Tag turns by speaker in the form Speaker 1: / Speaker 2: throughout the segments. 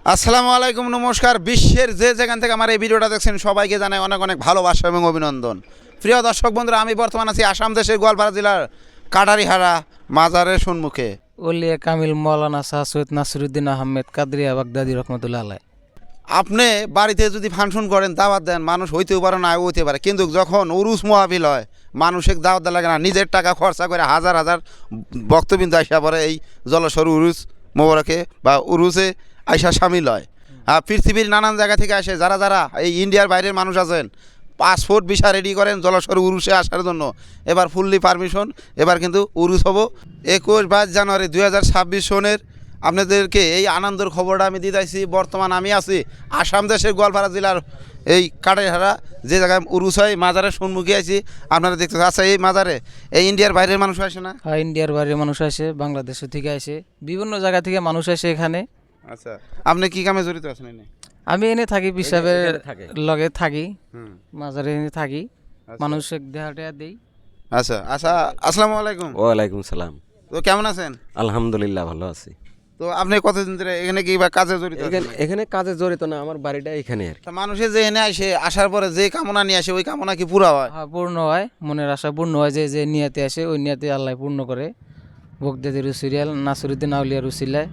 Speaker 1: আসসালামু আলাইকুম, নমস্কার। বিশ্বের যে যেখান থেকে আমার এই ভিডিওটা দেখছেন সবাইকে জানাই অনেক অনেক ভালোবাসা এবং অভিনন্দন। প্রিয় দর্শক বন্ধুরা, আমি বর্তমান আছি আসাম দেশের গোয়ালপাড়া জেলার কাটারিহারা মাজারের সম্মুখে।
Speaker 2: ওলিয়া কামিল মৌলানা শাহ সৈয়দ নাসিরুদ্দিন আহমেদ কাদরিয়া বাগদাদি রহমতুল্লাহ আলাই।
Speaker 1: আপনি বাড়িতে যদি ফাংশন করেন, দাওয়াত দেন, মানুষ হইতেও পারে না হইতে পারে, কিন্তু যখন উরুস মহাবিল হয় মানুষের দাওয়াত দেওয়া লাগে না, নিজের টাকা খরচা করে হাজার হাজার বক্তবিন্দু আইসা পরে এই জলস্বর উরুস মোবারকে বা উরুসে আইসা সামিল হয়। পৃথিবীর নানান জায়গা থেকে আসে যারা যারা এই ইন্ডিয়ার বাইরের মানুষ আছেন, পাসপোর্ট ভিসা রেডি করেন জলস্বর উরুসে আসার জন্য। এবার ফুললি পারমিশন, এবার কিন্তু উরুস হবো 21 জানুয়ারি 2026 সনের। আপনাদেরকে এই আনন্দের খবরটা আমি দিতেছি। বর্তমান আমি আছি আসাম দেশের গোয়ালপাড়া জেলার এই কাটারিহারা, যে জায়গায় উরুস হয় মাজারের সম্মুখে আছি। আপনারা দেখতে আচ্ছা, এই মাজারে এই ইন্ডিয়ার বাইরের মানুষ আসে না?
Speaker 2: হ্যাঁ, ইন্ডিয়ার বাইরে মানুষ আসে, বাংলাদেশ থেকে আসে, বিভিন্ন জায়গা থেকে মানুষ আসে এখানে।
Speaker 1: আচ্ছা, আপনি কি কামে জড়িত আছেন এনে?
Speaker 2: আমি এনে থাকি, পিসাবের লগে থাকি, মাজারে এনে থাকি, মানুষ দেহাটা দেই।
Speaker 1: আচ্ছা আচ্ছা, আসসালামু আলাইকুম।
Speaker 3: ওয়ালাইকুম সালাম।
Speaker 1: তো কেমন আছেন?
Speaker 3: আলহামদুলিল্লাহ ভালো আছি।
Speaker 1: তো আপনি কতদিন ধরে এখানে কি বা কাজে জড়িত আছেন?
Speaker 3: এখানে কাজে জড়িত না, আমার বাড়িটা এখানে আর কি।
Speaker 1: তা মানুষের যে এনে আসে, আসার পরে যে কামনা নিয়ে আসে ওই কামনা কি পুরা হয়?
Speaker 2: হ্যাঁ, পূর্ণ হয়, মনের আশা পূর্ণ হয়। যে যে নিয়াতে আসে ওই নিয়াতে আল্লাহ পূর্ণ করে। বগদাদি রুসিরিয়াল নাসিরুদ্দিন আউলিয়া রুসিলায়।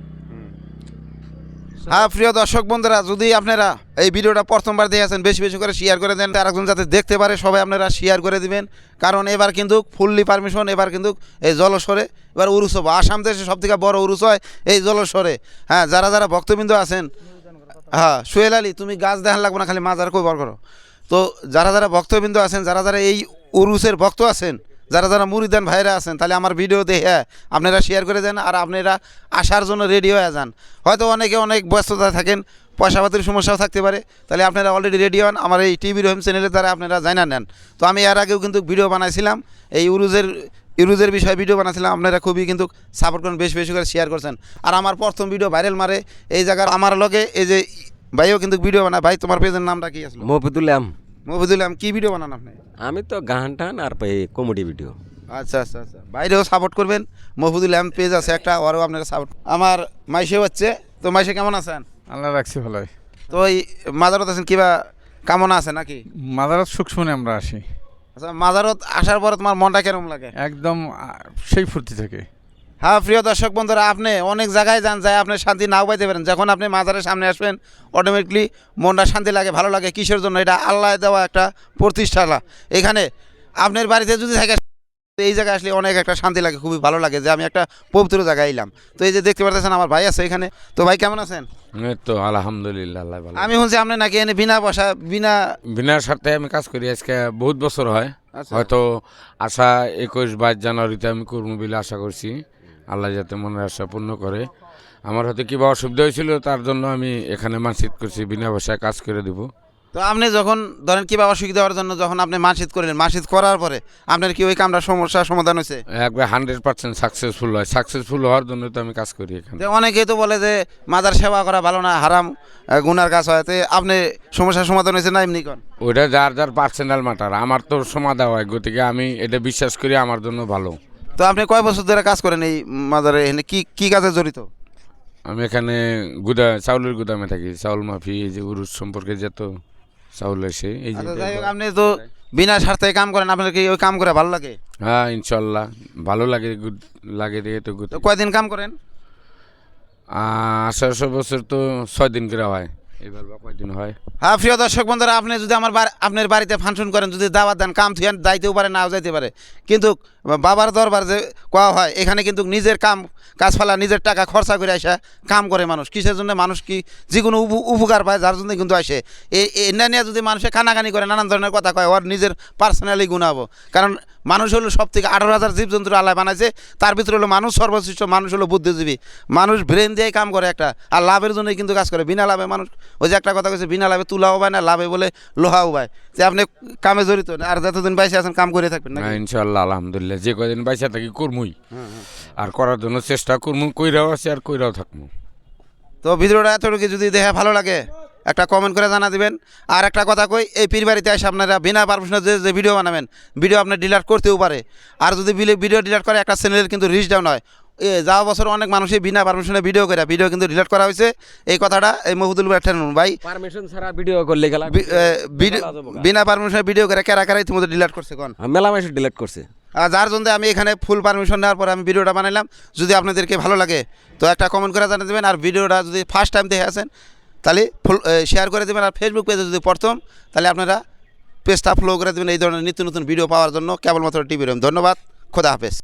Speaker 1: হ্যাঁ, প্রিয় দর্শক বন্ধুরা, যদি আপনারা এই ভিডিওটা প্রথমবার দেখেছেন বেশি বেশি করে শেয়ার করে দেন, আরেকজন যাতে দেখতে পারে সবাই আপনারা শেয়ার করে দিবেন। কারণ এবার কিন্তু ফুললি পারমিশন, এবার কিন্তু এই জলস্বরে এবার উরুস হবো। আসাম দেশে সবথেকে বড় উরুস হয় এই জলস্বরে। হ্যাঁ, যারা যারা ভক্তবৃন্দ আছেন, হ্যাঁ সোহেল আলী, তুমি গাছ দেখান লাগবো না, খালি মাজার কই বার করো। তো যারা যারা ভক্তবৃন্দ আছেন, যারা যারা এই উরুসের ভক্ত আছেন, যারা যারা মুরিদান ভাইরা আছেন, তাহলে আমার ভিডিও দেখে আপনারা শেয়ার করে দেন আর আপনারা আসার জন্য রেডি হয়ে যান। হয়তো অনেকে অনেক ব্যস্ততা থাকেন, পয়সাপাতির সমস্যাও থাকতে পারে, তাহলে আপনারা অলরেডি রেডি হন। আমার এই টিভি রহিম চ্যানেলের দ্বারা আপনারা জানা নেন। তো আমি এর আগেও কিন্তু ভিডিও বানাইছিলাম এই ইউরুজের বিষয়ে ভিডিও বানাচ্ছিলাম। আপনারা খুবই কিন্তু সাপোর্ট করেন, বেশি বেশি করে শেয়ার করছেন। আর আমার প্রথম ভিডিও ভাইরাল মারে এই জায়গার আমার লগে এই যে ভাইও কিন্তু ভিডিও বানায়। ভাই, তোমার পেজের নামটা কি আসলো?
Speaker 3: মফিদুল্লাহ।
Speaker 1: মফিদুল্লাহ, কি ভিডিও বানান আপনি?
Speaker 3: আমি তো গান টান আর কমেডি ভিডিও।
Speaker 1: আচ্ছা আচ্ছা আচ্ছা, বাইরেও সাপোর্ট করবেন। মফিদুল্লাহ পেজ আছে একটা, ওরও আপনারা সাপোর্ট। আমার মাইসেও হচ্ছে। তো মাইসে কেমন আছেন?
Speaker 4: আল্লাহ রাখছি ভালোই।
Speaker 1: তো এই মাজারত আছেন, কিবা কামনা আছে নাকি?
Speaker 4: মাদারাত সুখ শুনে আমরা আসি,
Speaker 1: আচ্ছা, মাজারত আসার পরে তোমার মনটা কেরম লাগে?
Speaker 4: একদম সেই ফুর্তি থেকে।
Speaker 1: হ্যাঁ, প্রিয় দর্শক বন্ধুরা, আপনি অনেক জায়গায় যান, যায় আপনি শান্তি নাও পাইতে পারেন। যখন আপনি মাজারের সামনে আসবেন অটোমেটিকলি মনটা শান্তি লাগে, ভালো লাগে। কিসের জন্য? এটা আল্লাহ দেওয়া একটা প্রতিষ্ঠালা। এখানে আপনার বাড়িতে যদি থাকে, এই জায়গায় আসলে অনেক একটা শান্তি লাগে, খুবই ভালো লাগে যে আমি একটা পবিত্র জায়গায় এলাম। তো এই যে দেখতে পারতেছেন আমার ভাই আছে এখানে। তো ভাই কেমন আছেন?
Speaker 5: এই তো আলহামদুলিল্লাহ, আল্লাহ ভালো।
Speaker 1: আমি শুনছি আপনি নাকি এনে বিনা পয়সা
Speaker 5: বিনা স্বার্থে আমি কাজ করি, আজকে বহুত বছর হয়।
Speaker 1: আচ্ছা।
Speaker 5: হয়তো আশা 21 জানুয়ারিতে আমি করবো বলে আশা করছি। আল্লাহ যাতে মনের আশা পূর্ণ করে। আমার হয়তো কিবা অসুবিধা হয়েছিল, তার জন্য আমি এখানে মানসিক করছি বিনা পয়সায় কাজ করে দিব।
Speaker 1: তো আপনি যখন ধরেন কিবা অসুবিধা হওয়ার জন্য যখন আপনি মাসিদ করলেন, মাসিদ করার পরে আপনার কি ওই কামটা সমস্যার সমাধান হয়েছে?
Speaker 5: একবার 100% সাকসেসফুল হয়। সাকসেসফুল হওয়ার জন্য তো আমি কাজ করি এখানে।
Speaker 1: যে অনেকেই তো বলে যে মাজার সেবা করা ভালো না, হারাম, গুনার কাজ হয়। তো আপনি সমস্যার সমাধান হয়েছে না এমনি কোন?
Speaker 5: ওইটা যার যার পার্সোনাল ম্যাটার, আমার তো সমাধান হয়, গতিকে আমি এটা বিশ্বাস করি আমার জন্য ভালো।
Speaker 1: তো আপনি কয় বছর ধরে কাজ করেন এই মাজারে? এখানে কি কি কাজে জড়িত?
Speaker 5: আমি এখানে চাউলের গুদামে থাকি। চাউল মাফি, এই যে উরুস সম্পর্কে যত চাউল এসে এই যে।
Speaker 1: আচ্ছা, যাই হোক, আপনি তো বিনা স্বার্থে কাম করেন, আপনার কি ওই কাম করে ভালো লাগে?
Speaker 5: হ্যাঁ, ইনশাল্লাহ ভালো লাগে, লাগে দিয়ে তো
Speaker 1: তো কয়দিন কাম করেন?
Speaker 5: 1800 বছর তো 6 দিন করে হয়, এবার বা কয়দিন হয়।
Speaker 1: হ্যাঁ, প্রিয় দর্শক বন্ধুরা, আপনি যদি আপনার বাড়িতে ফাংশন করেন, যদি দাওয়াত দেন, কাম থুয়ান যাইতেও পারে, নাও যাইতে পারে, কিন্তু বাবার দরবার যে কোয়া হয়, এখানে কিন্তু নিজের কাজ ফেলা, নিজের টাকা খরচা করে আসা কাম করে মানুষ। কিসের জন্য? মানুষ কি যে কোনো উপকার পায়, যার জন্য কিন্তু আসে। এটা নিয়ে যদি মানুষে কানাকানি করে, নানান ধরনের কথা কয়, ওর নিজের পার্সোনালি গুণাবো। কারণ মানুষ হলো সব থেকে 18,000 জীবজন্তুর আল্লাহ বানাইছে, তার ভিতরে হলো মানুষ সর্বশ্রেষ্ঠ। মানুষ হলো বুদ্ধিজীবী, মানুষ ব্রেন দিয়ে কাম করে একটা, আর লাভের জন্যই কিন্তু কাজ করে। বিনা লাভে মানুষ, ওই যে একটা কথা কইছে, বিনা লাভে তুলাও পায় না, লাভে বলে লোহাও পায়। যে আপনি কামে জড়িত আর যতদিন বাইসে আছেন কাম করে থাকবেন না?
Speaker 5: হ্যাঁ, ইনশাল্লাহ আলহামদুলিল্লাহ, যে কয়দিন বাইসা থাকি করমুই, আর করার জন্য চেষ্টা করমু, কইরাও আছে আর কইরাও থাকবো।
Speaker 1: তো ভিডিওটা এতটুকু যদি দেখে ভালো লাগে একটা কমেন্ট করে জানা দিবেন। আর একটা কথা কই, এই পীর বাড়িতে এসে আপনারা বিনা পারমিশনে যে ভিডিও বানাবেন, ভিডিও আপনার ডিলিট করতেও পারে। আর যদি ভিডিও ডিলিট করে, একটা চ্যানেলের কিন্তু রিচ ডাউন হয়। যাওয়া বছর অনেক মানুষই বিনা পারমিশনে ভিডিও কিন্তু ডিলিট করা হয়েছে। এই কথাটা এই মহিদুল ভাই
Speaker 3: পারমিশন ছাড়া ভিডিও করলে গেলা
Speaker 1: বিনা পারমিশনে ভিডিও করে কারা ইতিমধ্যে ডিলিট করছে কোন
Speaker 3: মেলা মাসে ডিলিট করছে।
Speaker 1: আর যার জন্য আমি এখানে ফুল পারমিশন নেওয়ার পরে আমি ভিডিওটা বানাইলাম। যদি আপনাদেরকে ভালো লাগে তো একটা কমেন্ট করে জানিয়ে দেবেন। আর ভিডিওটা যদি ফার্স্ট টাইম দেখে আসেন তাহলে ফুল শেয়ার করে দেবেন। আর ফেসবুক পেজে যদি প্রথম তাহলে আপনারা পেজটা ফলো করে দেবেন এই ধরনের নিত্য নতুন ভিডিও পাওয়ার জন্য। কেবলমাত্র টিভি রুম। ধন্যবাদ, খোদা হাফেজ।